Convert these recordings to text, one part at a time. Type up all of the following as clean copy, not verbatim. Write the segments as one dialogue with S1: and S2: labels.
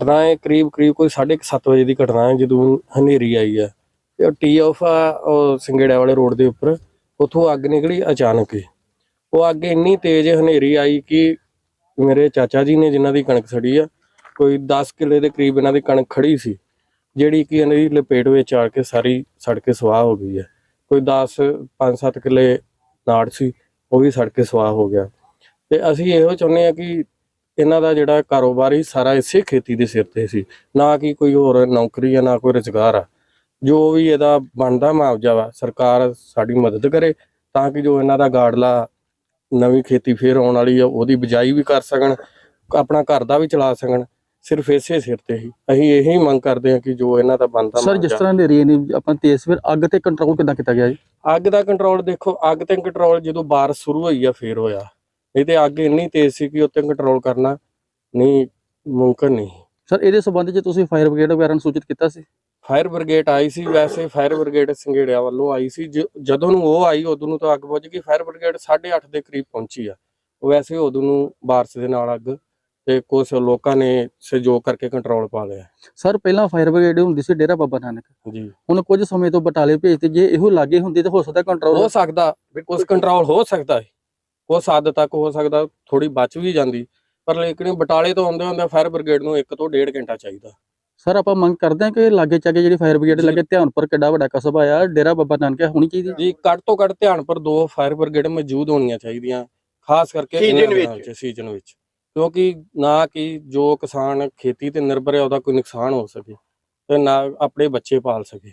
S1: घटना है करीब कोई 7:30 वजे की घटना है जो हनेरी आई है। टी ऑफ आ संगेड़ा वाले रोड के उपर उतों अग निकली अचानक ही। वो अग इन्नी तेज हनेरी आई कि मेरे चाचा जी ने जिन्हों की कणक सड़ी है कोई 10 किले के करीब इन्हों की कणक खड़ी सी जिहड़ी कि इन्हां दी लपेट विच आ के सारी सड़ के सुआह हो गई है। कोई 5-7 किले नाड़ सी वो भी सड़ के सुआह हो गया। तो असीं इहो चाहुंदे आ कि इन्हां दा जिहड़ा कारोबार ही सारा इसे खेती के सिर ते सी, ना कि कोई होर नौकरी है ना कोई रोजगार आ। जो भी इहदा बनदा मुआवजा वा सरकार साडी मदद करे तां कि जो इन्हां दा गाड़ला नवीं खेती फिर आउण वाली आ उहदी बिजाई भी कर सकण, अपना घर दा भी चला सकण। सिर्फ इसे सिर ते ही असीं यही मंग करदे हां कि जो इन्हां दा बनदा
S2: सर जिस तरह हनेरी ने अपना तेज फिर अग ते कंट्रोल किद्दां कीता गया जी?
S1: अग दा कंट्रोल देखो, अग ते कंट्रोल जदों बारिश शुरू होई आ फिर होया, नहीं ते अग इन्नी तेज सी कि उत्ते कंट्रोल करना नहीं मुमकिन नहीं।
S2: सर इहदे संबंध च तुसीं फायर ब्रिगेड वगैरह नूं सूचित कीता सी?
S1: फायर ब्रिगेड आई सी, वैसे फायर ब्रिगेड संघेड़िया वालों आई सी, जदों नूं वो आई उदों नूं तां अग बुझ गई। फायर ब्रिगेड 8:30 ਦੇ करीब पहुंची आ। वैसे उदों नूं बारिश दे नाल अग ते कुछ लोगों ने सहयोग करके कंट्रोल पा लिया
S2: सर पहला फायर ब्रिगेड हुंदी सी डेरा बाबा नानक
S1: जी।
S2: हुण कुछ समय तो बटाले भेजते जे इहो लागे हुंदी ते हो सकदा कंट्रोल
S1: हो सकदा, कुछ कंट्रोल हो सकदा है, कुछ हद तक हो सकदा, थोड़ी बच भी जांदी, पर लेकिन बटाले तो आउंदे हुंदे फायर ब्रिगेड नूं 1 ਤੋਂ 1.5 घंटा चाहिदा।
S2: सर आपां मंग करदे हां कि लागे चागे जिहड़ी फायर ब्रिगेड लगे ध्यानपुर किड्डा वड्डा कस्बा आ डेरा बाबा नानक होनी चाहिदी
S1: जी। घੱਟ ਤੋਂ ਘੱਟ ध्यानपुर 2 फायर ब्रिगेड मौजूद होणीਆਂ ਚਾਹੀਦੀਆਂ, खास करके सीजन विच, क्योंकि ना कि जो किसान खेती ते निर्भर है ਉਹਦਾ कोई नुकसान हो सके ਤੇ ना अपने बच्चे पाल सके।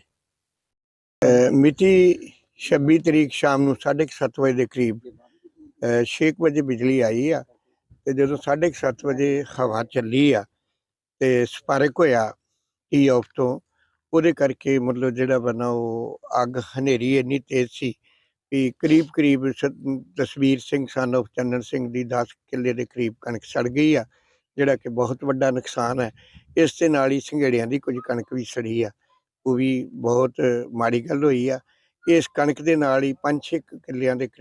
S3: मिति 26 तरीक शाम ਨੂੰ 7:30 ਵਜੇ ਦੇ ਕਰੀਬ 6 ਵਜੇ ਬਿਜਲੀ ਆਈ ਆ ਤੇ ਜਦੋਂ 7:30 ਵਜੇ ਹਵਾ ਚੱਲੀ ਆ ਤੇ ਸਪਾਰਕ ਹੋਇਆ ਟੀ ਆਫ ਤੋਂ, ਉਹਦੇ ਕਰਕੇ ਮਤਲਬ ਜਿਹੜਾ ਬਣਾ ਉਹ ਅੱਗ ਹਨੇਰੀ ਇੰਨੀ ਤੇਜ਼ ਸੀ ਵੀ ਕਰੀਬ ਤਸਵੀਰ ਸਿੰਘ ਸਨ ਆਫ ਚੰਨਨ ਸਿੰਘ ਦੀ 10 ਕਿੱਲੇ ਦੇ ਕਰੀਬ ਕਣਕ ਸੜ ਗਈ ਆ, ਜਿਹੜਾ ਕਿ ਬਹੁਤ ਵੱਡਾ ਨੁਕਸਾਨ ਹੈ। ਇਸ ਦੇ ਨਾਲ ਹੀ ਸੰਘੇੜਿਆਂ ਦੀ ਕੁਝ ਕਣਕ ਵੀ ਸੜੀ ਆ, ਉਹ ਵੀ ਬਹੁਤ ਮਾੜੀ ਗੱਲ ਹੋਈ ਆ। ਇਸ ਕਣਕ ਦੇ ਨਾਲ ਹੀ 5-6 ਕਿੱਲਿਆਂ ਦੇ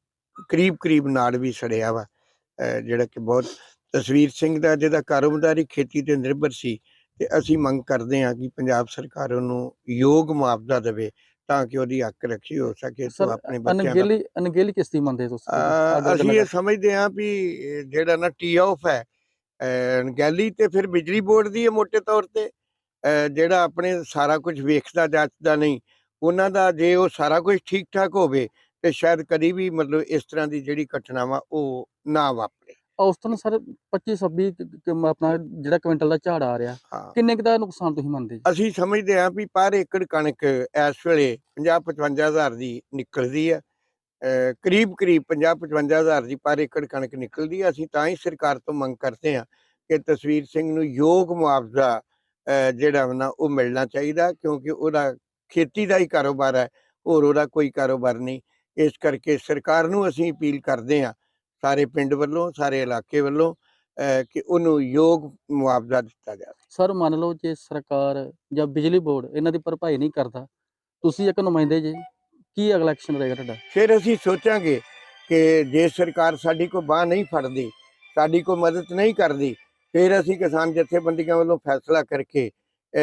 S3: ਕਰੀਬ ਨਾੜ ਵੀ ਸੜਿਆ ਵਾ, ਜਿਹੜਾ ਕਿ ਬਹੁਤ ਤਸਵੀਰ ਸਿੰਘ ਦਾ ਜਿਹਦਾ ਕਾਰੋਬਾਰੀ ਖੇਤੀ ਤੇ ਨਿਰਭਰ ਸੀ। ਤੇ ਅਸੀਂ ਮੰਗ ਕਰਦੇ ਹਾਂ ਕਿ ਪੰਜਾਬ ਸਰਕਾਰ ਉਹਨੂੰ ਯੋਗ ਮੁਆਵਜ਼ਾ ਦੇਵੇ ਤਾਂ ਕਿ ਉਹਦੀ ਹੱਕ ਰੱਖੀ ਹੋ ਸਕੇ।
S2: ਸਰ
S3: ਆਪਣੇ ਬੱਚਿਆਂ ਦਾ
S2: ਅਣਗਹਿਲੀ ਕਿਸ ਦੀ ਮੰਨਦੇ ਤੁਸੀਂ?
S3: ਅਸੀਂ ਇਹ ਸਮਝਦੇ ਹਾਂ ਵੀ ਜਿਹੜਾ ਨਾ ਟੀ ਆਫ ਹੈ ਅਣਗਹਿਲੀ ਤੇ ਫਿਰ ਬਿਜਲੀ ਬੋਰਡ ਦੀ ਹੈ ਮੋਟੇ ਤੌਰ ਤੇ, ਜਿਹੜਾ ਆਪਣੇ ਸਾਰਾ ਕੁਝ ਵੇਖਦਾ ਜਾਂਚਦਾ ਨਹੀਂ ਉਹਨਾਂ ਦਾ। ਜੇ ਉਹ ਸਾਰਾ ਕੁਝ ਠੀਕ ਠਾਕ ਹੋਵੇ ਤੇ ਸ਼ਾਇਦ ਕਦੀ ਵੀ ਮਤਲਬ ਇਸ ਤਰ੍ਹਾਂ ਦੀ ਜਿਹੜੀ ਘਟਨਾ ਵਾ ਉਹ ਨਾ ਵਾਪਰੇ।
S2: ਉਸ ਤੋਂ ਸਰ 25-26 ਆਪਣਾ ਜਿਹੜਾ ਕੁਇੰਟਲ ਦਾ ਝਾੜ ਆ ਰਿਹਾ, ਕਿੰਨੇ ਕੁ ਦਾ ਨੁਕਸਾਨ ਤੁਸੀਂ ਮੰਨਦੇ ਜੀ?
S3: ਅਸੀਂ ਸਮਝਦੇ ਹਾਂ ਵੀ ਪਰ ਏਕੜ ਕਣਕ ਇਸ ਵੇਲੇ 50-55 ਹਜ਼ਾਰ ਦੀ ਨਿਕਲਦੀ ਹੈ, ਕਰੀਬ 50-55 ਹਜ਼ਾਰ ਦੀ ਪਰ ਏਕੜ ਕਣਕ ਨਿਕਲਦੀ ਹੈ। ਅਸੀਂ ਤਾਂ ਹੀ ਸਰਕਾਰ ਤੋਂ ਮੰਗ ਕਰਦੇ ਹਾਂ ਕਿ ਤਸਵੀਰ ਸਿੰਘ ਨੂੰ ਯੋਗ ਮੁਆਵਜ਼ਾ ਜਿਹੜਾ ਨਾ ਉਹ ਮਿਲਣਾ ਚਾਹੀਦਾ, ਕਿਉਂਕਿ ਉਹਦਾ ਖੇਤੀ ਦਾ ਹੀ ਕਾਰੋਬਾਰ ਹੈ, ਹੋਰ ਉਹਦਾ ਕੋਈ ਕਾਰੋਬਾਰ ਨਹੀਂ। ਇਸ ਕਰਕੇ ਸਰਕਾਰ ਨੂੰ ਅਸੀਂ ਅਪੀਲ ਕਰਦੇ ਹਾਂ ਸਾਰੇ ਪਿੰਡ ਵੱਲੋਂ, ਸਾਰੇ ਇਲਾਕੇ ਵੱਲੋਂ, ਕਿ ਉਹਨੂੰ ਯੋਗ ਮੁਆਵਜ਼ਾ ਦਿੱਤਾ ਜਾਵੇ।
S2: ਸਰ ਮੰਨ ਲਓ ਜੇ ਸਰਕਾਰ ਜਾਂ ਬਿਜਲੀ ਬੋਰਡ ਇਹਨਾਂ ਦੀ ਭਰਪਾਈ ਨਹੀਂ ਕਰਦਾ, ਤੁਸੀਂ ਇੱਕ ਨੁਮਾਇੰਦੇ ਜੇ, ਕੀ ਅਗਲਾ ਐਕਸ਼ਨ ਰਹੇਗਾ ਤੁਹਾਡਾ?
S3: ਫਿਰ ਅਸੀਂ ਸੋਚਾਂਗੇ ਕਿ ਜੇ ਸਰਕਾਰ ਸਾਡੀ ਕੋਈ ਬਾਂਹ ਨਹੀਂ ਫੜਦੀ, ਸਾਡੀ ਕੋਈ ਮਦਦ ਨਹੀਂ ਕਰਦੀ, ਫਿਰ ਅਸੀਂ ਕਿਸਾਨ ਜਥੇਬੰਦੀਆਂ ਵੱਲੋਂ ਫੈਸਲਾ ਕਰਕੇ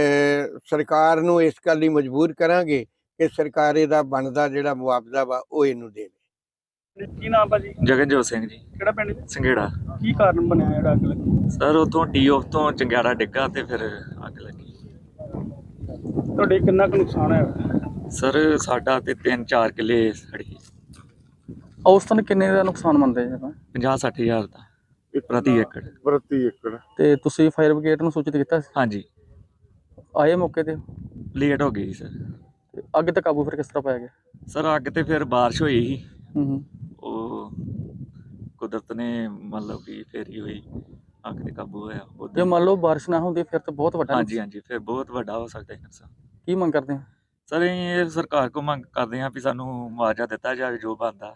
S3: ਸਰਕਾਰ ਨੂੰ ਇਸ ਗੱਲ ਲਈ ਮਜਬੂਰ ਕਰਾਂਗੇ ਕਿ ਸਰਕਾਰ ਇਹਦਾ ਬਣਦਾ ਜਿਹੜਾ ਮੁਆਵਜ਼ਾ ਵਾ ਉਹ ਇਹਨੂੰ ਦੇਵੇ।
S4: ਕੀ ਨਾਮ ਭਾਜੀ?
S5: ਜਗਨਜੋਤ ਸਿੰਘ ਜੀ।
S4: ਕਿਹੜਾ ਪਿੰਡ ਜੀ?
S5: ਸੰਘੇੜਾ।
S4: ਕੀ ਕਾਰਨ ਬਣਿਆ ਜਿਹੜਾ ਅੱਗ ਲੱਗੀ?
S5: ਸਰ ਉੱਥੋਂ ਟੀ ਆਫ ਤੋਂ ਚੰਗਿਆੜਾ ਡਿੱਗਾ ਤੇ ਫਿਰ ਅੱਗ ਲੱਗੀ।
S4: ਤੁਹਾਡੇ ਕਿੰਨਾ ਕੁ ਨੁਕਸਾਨ ਹੋਇਆ?
S5: ਸਰ ਸਾਡਾ ਤੇ 3-4 ਕਿੱਲੇ ਸੜੀ।
S2: ਉਸ ਤੋਂ ਕਿੰਨੇ ਦਾ ਨੁਕਸਾਨ ਮੰਨਦੇ ਜੀ ਆਪਾਂ?
S5: 50-60 ਹਜ਼ਾਰ ਦਾ ਪ੍ਰਤੀ ਏਕੜ।
S2: ਤੇ ਤੁਸੀਂ ਫਾਇਰ ਬ੍ਰਿਗੇਡ ਨੂੰ ਸੂਚਿਤ ਕੀਤਾ ਸੀ?
S5: ਹਾਂਜੀ,
S2: ਆਏ ਮੌਕੇ ਤੇ?
S5: ਲੇਟ ਹੋ ਗਈ ਸਰ।
S2: ਤੇ ਅੱਗ ਤੇ ਕਾਬੂ ਫਿਰ ਕਿਸ ਤਰ੍ਹਾਂ ਪਾਇਆ ਗਿਆ?
S5: ਸਰ ਅੱਗ ਤੇ ਫਿਰ ਬਾਰਿਸ਼ ਹੋਈ ਸੀ,
S2: ਹੂੰ
S5: ਉਹ ਕੁਦਰਤ ਨੇ ਮਤਲਬ ਕਿ ਫੇਰੀ ਹੋਈ, ਅੱਗ ਤੇ ਕਾਬੂ ਹੋਇਆ।
S2: ਜੇ ਮੰਨ ਲਓ ਬਾਰਿਸ਼ ਨਾ ਹੁੰਦੀ ਫਿਰ ਤਾਂ ਬਹੁਤ ਵੱਡਾ।
S5: ਹਾਂਜੀ, ਫਿਰ ਬਹੁਤ ਵੱਡਾ ਹੋ ਸਕਦਾ ਹੈ ਨੁਕਸਾਨ।
S2: ਕੀ ਮੰਗ ਕਰਦੇ ਹੋ?
S5: ਸਰ ਅਸੀਂ ਇਹ ਸਰਕਾਰ ਕੋਲ ਮੰਗ ਕਰਦੇ ਹਾਂ ਵੀ ਸਾਨੂੰ ਮੁਆਵਜ਼ਾ ਦਿੱਤਾ ਜਾਵੇ ਜੋ ਬਣਦਾ।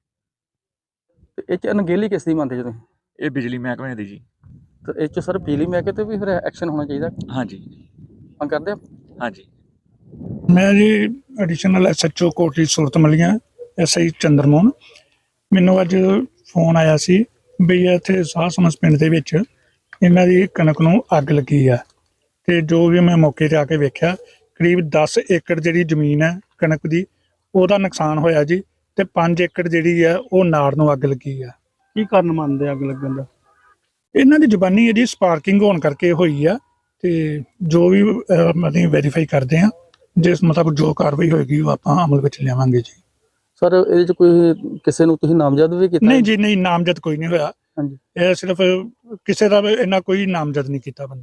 S2: ਤੇ ਇਹ 'ਚ ਅਣਗਹਿਲੀ ਕਿਸ ਦੀ ਮੰਨਦੇ ਜੀ ਤੁਸੀਂ?
S5: ਇਹ ਬਿਜਲੀ ਮਹਿਕਮੇ ਦੀ ਜੀ।
S2: ਤੇ ਇਹ 'ਚ ਸਰ ਬਿਜਲੀ ਮਹਿਕਮੇ ਤੇ ਵੀ ਫਿਰ ਐਕਸ਼ਨ ਹੋਣਾ ਚਾਹੀਦਾ।
S5: ਹਾਂਜੀ
S2: ਮੰਗ ਕਰਦੇ ਆ।
S5: ਹਾਂਜੀ।
S6: ਮੈਂ ਜੀ additional SHO Kotli Surat Malian SI Chandramohan. ਮੈਨੂੰ ਅੱਜ ਫੋਨ ਆਇਆ ਸੀ ਵੀ ਇੱਥੇ ਸਾਹ ਸਮਸ ਪਿੰਡ ਦੇ ਵਿੱਚ ਇਹਨਾਂ ਦੀ ਕਣਕ ਨੂੰ ਅੱਗ ਲੱਗੀ ਆ ਤੇ ਜੋ ਵੀ ਮੈਂ ਮੌਕੇ ਤੇ ਆ ਕੇ ਵੇਖਿਆ ਕਰੀਬ 10 ਏਕੜ ਜਿਹੜੀ ਜ਼ਮੀਨ ਹੈ ਕਣਕ ਦੀ ਉਹਦਾ ਨੁਕਸਾਨ ਹੋਇਆ ਜੀ ਤੇ 5 ਏਕੜ ਜਿਹੜੀ ਆ ਉਹ ਨਾੜ ਨੂੰ ਅੱਗ ਲੱਗੀ ਆ।
S4: ਕੀ ਕਾਰਨ ਮੰਨਦੇ ਅੱਗ ਲੱਗਣ ਦਾ?
S6: ਇਹਨਾਂ ਦੀ ਜ਼ੁਬਾਨੀ ਇਹਦੀ ਸਪਾਰਕਿੰਗ ਹੋਣ ਕਰਕੇ ਹੋਈ ਆ ਤੇ ਜੋ ਵੀ ਅਸੀਂ ਵੈਰੀਫਾਈ ਕਰਦੇ ਆ ਜਿਸ ਮੁਤਾਬਕ ਜੋ ਕਾਰਵਾਈ ਹੋਏਗੀ ਉਹ ਆਪਾਂ ਅਮਲ ਵਿੱਚ ਲਿਆਵਾਂਗੇ ਜੀ।
S2: ਸਰ ਇਹਦੇ ਚ ਕੋਈ ਕਿਸੇ ਨੂੰ ਤੁਸੀਂ ਨਾਮਜ਼ਦ ਵੀ ਕੀਤਾ?
S6: ਨਹੀਂ ਜੀ, ਨਹੀਂ, ਨਾਮਜ਼ਦ ਕੋਈ ਨਹੀਂ ਹੋਇਆ।
S2: ਹਾਂਜੀ।
S6: ਇਹ ਸਿਰਫ ਕਿਸੇ ਦਾ ਇੰਨਾ ਕੋਈ ਨਾਮਜ਼ਦ ਨਹੀਂ ਕੀਤਾ ਬੰਦਾ।